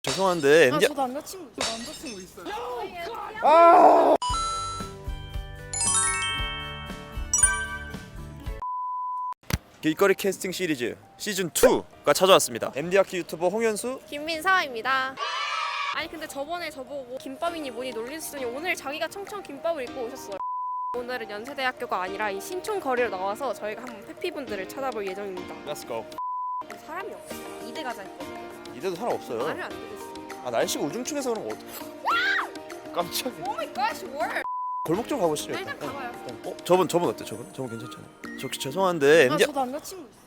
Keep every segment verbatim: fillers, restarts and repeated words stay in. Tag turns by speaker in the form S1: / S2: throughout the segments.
S1: 죄송한데
S2: 아,
S1: 엠디
S2: 저 남자친구 저 남자친구 있어요.
S1: 아! 길거리 캐스팅 시리즈 시즌 이가 찾아왔습니다. 엠디아키 유튜버 홍현수.
S3: 김민사입니다. 아니 근데 저번에 저보고 김밥이니 뭐니 놀리시더니 오늘 자기가 청청 김밥을 입고 오셨어요. 오늘은 연세대학교가 아니라 이 신촌 거리로 나와서 저희가 한번 페피분들을 찾아볼 예정입니다.
S1: Let's go.
S3: 사람이 없어. 이대 가자 했거든요.
S1: 이대도 사람 없어요.
S3: 말을 안 들으시네.
S1: 아 날씨가 우중충해서 그런 거 어떡해. 깜짝이야.
S3: 오 마이 갓, 월.
S1: 골목 좀 가보시죠.
S3: 일단 가봐요.
S1: 어? 저분 저분 어때? 저분? 저분 괜찮잖아요. 저 혹시 죄송한데
S2: 아,
S1: 엠디
S2: 저 남자친구 있어요.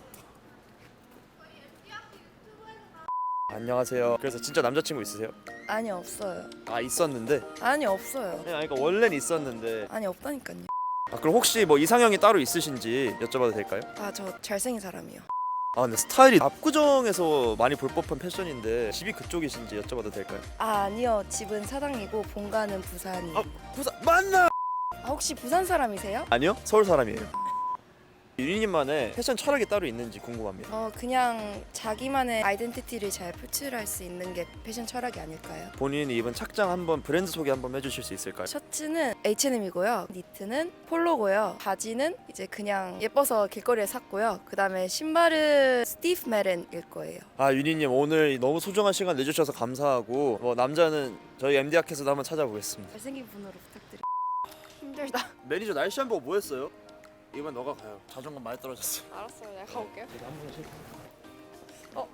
S1: 안녕하세요. 그래서 진짜 남자친구 있으세요?
S4: 아니 없어요.
S1: 아 있었는데.
S4: 아니 없어요.
S1: 아니 그러니까 원래는 있었는데.
S4: 아니 없다니까요.
S1: 아 그럼 혹시 뭐 이상형이 따로 있으신지 여쭤봐도 될까요?
S4: 아 저 잘생긴 사람이요.
S1: 아 근데 스타일이 압구정에서 많이 볼 법한 패션인데 집이 그쪽이신지 여쭤봐도 될까요?
S4: 아 아니요. 집은 사당이고 본가는 부산이에요.
S1: 아 부산 맞나?
S4: 아 혹시 부산 사람이세요?
S1: 아니요 서울 사람이에요. 유리님만의 패션 철학이 따로 있는지 궁금합니다.
S4: 어 그냥 자기만의 아이덴티티를 잘 표출할 수 있는 게 패션 철학이 아닐까요?
S1: 본인이 입은 착장 한번 브랜드 소개 한번 해주실 수 있을까요?
S4: 셔츠는 에이치 앤 엠이고요. 니트는 폴로고요. 바지는 이제 그냥 예뻐서 길거리에 샀고요. 그 다음에 신발은 스티브 메렌일 거예요.
S1: 아 유리님 오늘 너무 소중한 시간 내주셔서 감사하고 뭐 남자는 저희 엠디아켓에도 한번 찾아보겠습니다.
S4: 잘생긴 분으로 부탁드립니다.
S3: 힘들다.
S1: 매니저 날씨 한 보고 뭐 했어요? 이번 너가 가요. 자존감 많이 떨어졌어.
S3: 알았어요. 내가 가볼게요.
S1: 한번 쉴까?
S3: 어,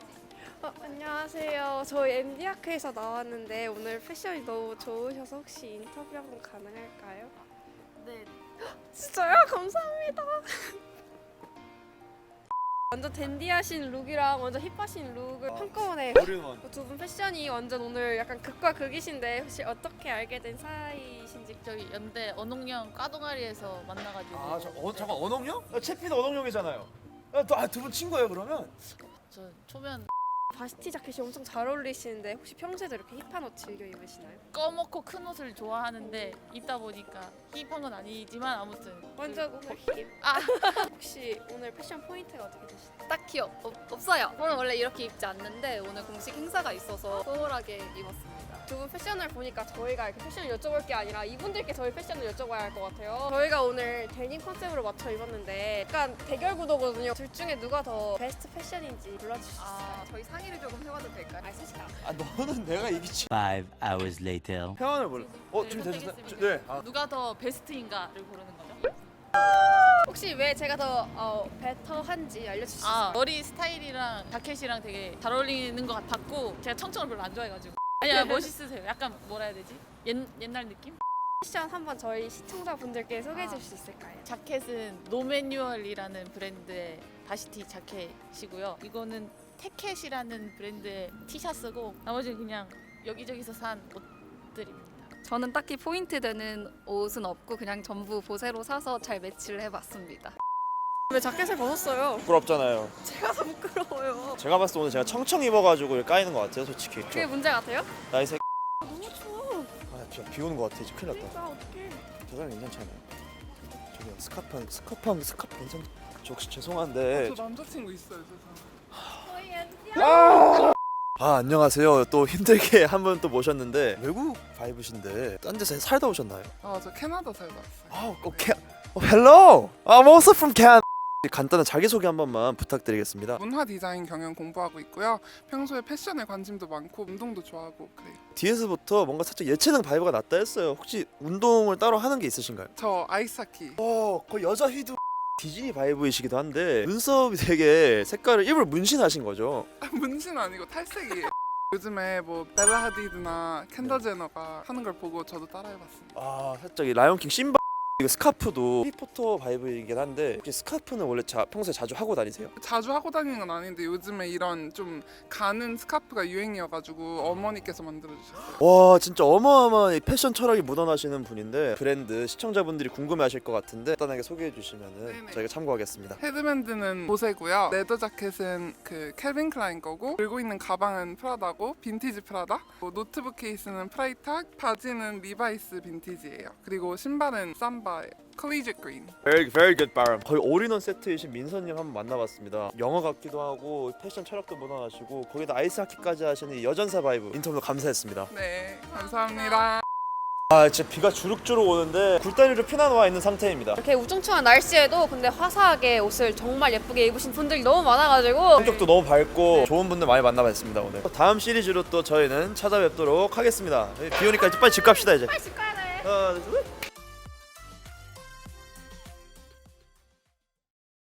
S3: 안녕하세요. 저희 엠디아크에서 나왔는데 오늘 패션이 너무 좋으셔서 혹시 인터뷰 한번 가능할까요?
S2: 네.
S3: 진짜요? 감사합니다. 완전 댄디하신 룩이랑 완전 힙하신 룩을 한꺼번에
S1: 어린원.
S3: 두 분 패션이 완전 오늘 약간 극과 극이신데 혹시 어떻게 알게 된 사이신지.
S5: 저희 연대 언홍영 과동아리에서 만나가지고
S1: 아 저, 어, 잠깐 언홍영? 아, 채피는 언홍영이잖아요. 두 분 친구예요 그러면?
S5: 저 초면
S3: 바시티 자켓이 엄청 잘 어울리시는데 혹시 평소에도 이렇게 힙한 옷 즐겨 입으시나요?
S5: 꺼먹고 큰 옷을 좋아하는데 입다 보니까 힙한 건 아니지만 아무튼
S3: 완전 오늘 힙.
S5: 아
S3: 혹시 오늘 패션 포인트가 어떻게 되시나요?
S6: 딱히 없, 없- 없어요. 저는 원래 이렇게 입지 않는데 오늘 공식 행사가 있어서 소홀하게 입었습니다.
S3: 두 분 패션을 보니까 저희가 이렇게 패션을 여쭤볼 게 아니라 이분들께 저희 패션을 여쭤봐야 할 것 같아요. 저희가 오늘 데님 컨셉으로 맞춰 입었는데 약간 대결 구도거든요. 둘 중에 누가 더 베스트 패션인지 골라주실 수
S6: 아,
S3: 있어요?
S6: 저희 상의를 조금 해봐도 될까요?
S3: 아, 사실
S1: 아 너는 내가 이기지.
S7: Five hours later.
S1: 평안을 몰라. 어
S5: 네,
S1: 준비되셨어요?
S5: 선택했습니다.
S1: 네. 아,
S5: 누가 더 베스트인가를 고르는 거죠?
S3: 혹시 왜 제가 더 어, 베터한지 알려주실 수 있어요?
S5: 아 머리 스타일이랑 자켓이랑 되게 잘 어울리는 것 같았고 제가 청청을 별로 안 좋아해가지고 아니야 멋있으세요. 약간 뭐라 해야 되지? 옛, 옛날 느낌?
S3: 패션 한번 저희 시청자분들께 소개해
S5: 아.
S3: 주실 수 있을까요?
S5: 자켓은 노매뉴얼이라는 브랜드의 바시티 자켓이고요. 이거는 태켓이라는 브랜드의 티셔츠고 나머지는 그냥 여기저기서 산 옷들입니다.
S6: 저는 딱히 포인트 되는 옷은 없고 그냥 전부 보세로 사서 잘 매치를 해봤습니다.
S3: 왜 자켓을 벗었어요?
S1: 부끄럽잖아요.
S3: 제가 더 부끄러워요.
S1: 제가 봤을 때 오늘 제가 청청 입어가지고 이렇게 까이는 것 같아요 솔직히.
S3: 그게 문제 같아요?
S1: 나이 새.
S3: 너무 추워.
S1: 아 진짜 비 오는 것 같아. 이제 큰일 났다.
S3: 그러니까 어떡해.
S1: 저 사람 괜찮잖아요. 저기 스카프 스카프 스카프 괜찮. 저 혹시 죄송한데.
S2: 저 남자친구 있어요. 죄송해요.
S3: 저희 엠디
S1: 아 안녕하세요. 또 힘들게 한 분 또 모셨는데 외국 바이브신데 딴 데서 살다 오셨나요?
S2: 아, 저 캐나다 살다 왔어요.
S1: 아 오케이. 어, hello. I'm also from Canada. 간단한 자기소개 한 번만 부탁드리겠습니다.
S2: 문화 디자인 경영 공부하고 있고요. 평소에 패션에 관심도 많고 운동도 좋아하고 그래요.
S1: 뒤에서부터 뭔가 살짝 예체능 바이브가 났다 했어요. 혹시 운동을 따로 하는 게 있으신가요?
S2: 저 아이스하키.
S1: 어, 거의 여자 휘두 디즈니 바이브이시기도 한데 눈썹이 되게 색깔을 일부러 문신하신 거죠?
S2: 아, 문신 아니고 탈색이에요. 요즘에 뭐 벨라 하디드나 켄더 제너가 하는 걸 보고 저도 따라해봤습니다.
S1: 아 살짝 이 라이온킹 심바 이거 스카프도 해리포터 바이브이긴 한데 혹시 스카프는 원래 자, 평소에 자주 하고 다니세요?
S2: 자주 하고 다니는 건 아닌데 요즘에 이런 좀 가는 스카프가 유행이어가지고 어머니께서 만들어주셨어요.
S1: 와 진짜 어마어마한 이 패션 철학이 묻어나시는 분인데 브랜드 시청자분들이 궁금해하실 것 같은데 간단하게 소개해 주시면은
S2: 네네.
S1: 저희가 참고하겠습니다.
S2: 헤드밴드는 보세고요. 레더 자켓은 그 캘빈 클라인 거고 들고 있는 가방은 프라다고 빈티지 프라다. 뭐 노트북 케이스는 프라이탁, 바지는 리바이스 빈티지예요. 그리고 신발은 삼바. by Collegiate Green.
S1: Very very good 발음. 거의 올인원 세트이신 민서님 한번 만나봤습니다. 영어 같기도 하고 패션 철학도 묻어나시고 거기다 아이스하키까지 하시는 이 여전사 바이브 인터뷰 감사했습니다.
S2: 네, 감사합니다.
S1: 아 진짜 비가 주룩주룩 오는데 굴다리로 피난와 있는 상태입니다.
S3: 이렇게 우중충한 날씨에도 근데 화사하게 옷을 정말 예쁘게 입으신 분들이 너무 많아가지고
S1: 성격도 너무 밝고 좋은 분들 많이 만나봤습니다 오늘. 다음 시리즈로 또 저희는 찾아뵙도록 하겠습니다. 비 오니까 이제 빨리 집 갑시다 이제.
S3: 빨리 집 가야 돼.
S1: 하나, 둘, 셋.